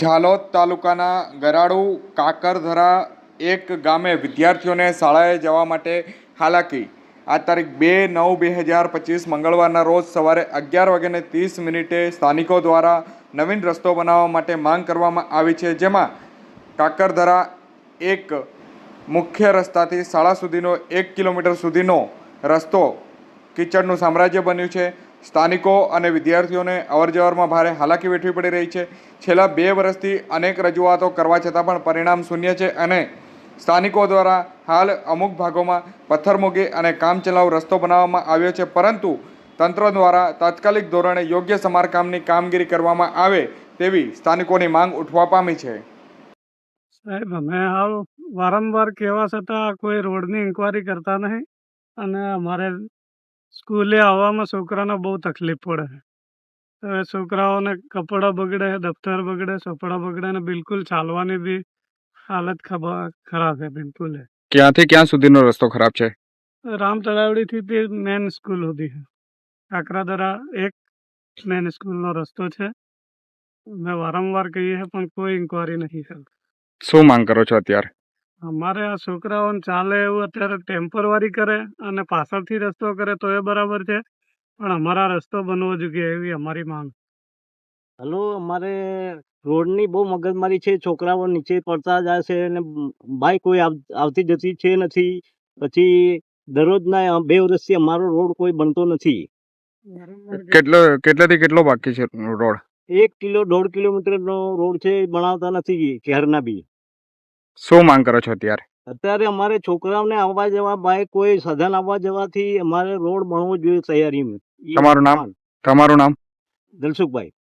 ઝાલોદ તાલુકાના ગરાડુ કાકરધરા એક ગામે વિદ્યાર્થીઓને શાળાએ જવા માટે હાલાકી. આ તારીખ 2/9/2025 મંગળવારના રોજ સવારે 11:30 સ્થાનિકો દ્વારા નવીન રસ્તો બનાવવા માટે માંગ કરવામાં આવી છે, જેમાં કાકરધરા એક મુખ્ય રસ્તાથી શાળા સુધીનો 1 કિલોમીટર સુધીનો રસ્તો કીચડનું સામ્રાજ્ય બન્યું છે. સ્થાનિકો અને વિદ્યાર્થીઓને અવરજવરમાં ભારે હાલાકી વેઠવી પડી રહી છે. છેલ્લા 2 વર્ષથી અનેક રજૂઆતો કરવા છતાં પણ પરિણામ શૂન્ય છે અને સ્થાનિકો દ્વારા હાલ અમુક ભાગોમાં પથ્થરમૂકી અને કામચલાઉ રસ્તો બનાવવામાં આવ્યો છે, પરંતુ તંત્ર દ્વારા તાત્કાલિક ધોરણે યોગ્ય સમારકામની કામગીરી કરવામાં આવે તેવી સ્થાનિકોની માંગ ઉઠવા પામી છે. સાહેબ, અમે હાલ વારંવાર કહેવા છતાં કોઈ રોડની ઇન્કવાયરી કરતા નહીં અને અમારે સ્કૂલે આવવામાં છોકરાને બહુ તકલીફ પડે છે. હવે છોકરાઓને કપડાં બગડે, દફતર બગડે, ચોપડા બગડે અને બિલકુલ ચાલવાની બી હાલત ખરાબ છે. બિલકુલ ક્યાંથી ક્યાં સુધીનો રસ્તો ખરાબ છે? રામ તળાવડીથી તે મેન સ્કૂલ સુધી છે. કાકરાધરા એક મેન સ્કૂલનો રસ્તો છે. અમે વારંવાર કહીએ છીએ પણ કોઈ ઇન્કવાયરી નથી કરતા. શું માંગ કરો છો અત્યારે? અમારે આ છોકરાઓને ચાલે એવું અત્યારે ટેમ્પરરી કરે અને પાછળથી રસ્તો કરે તો એ બરાબર છે, પણ અમારા રસ્તો બનવો જોઈએ એવી અમારી માંગ. હલો, અમારે રોડની બહુ મગજમારી છે. છોકરાઓ નીચે પડતા જાય છે અને બાઈક કોઈ આવતી જતી છે નથી. પછી દરરોજના 2 વર્ષથી અમારો રોડ કોઈ બનતો નથી. કેટલાથી કેટલો બાકી છે રોડ? 1-1.5 કિલોમીટરનો રોડ છે, બનાવતા નથી શહેરના બી. શું માંગ કરો છો અત્યારે? અત્યારે અમારે છોકરાઓને આવવા જવા બાઈક કોઈ સાધન આવવા જવાથી અમારે રોડ બનવો જોઈએ તૈયારીમાં. તમારું નામ? દલસુખભાઈ.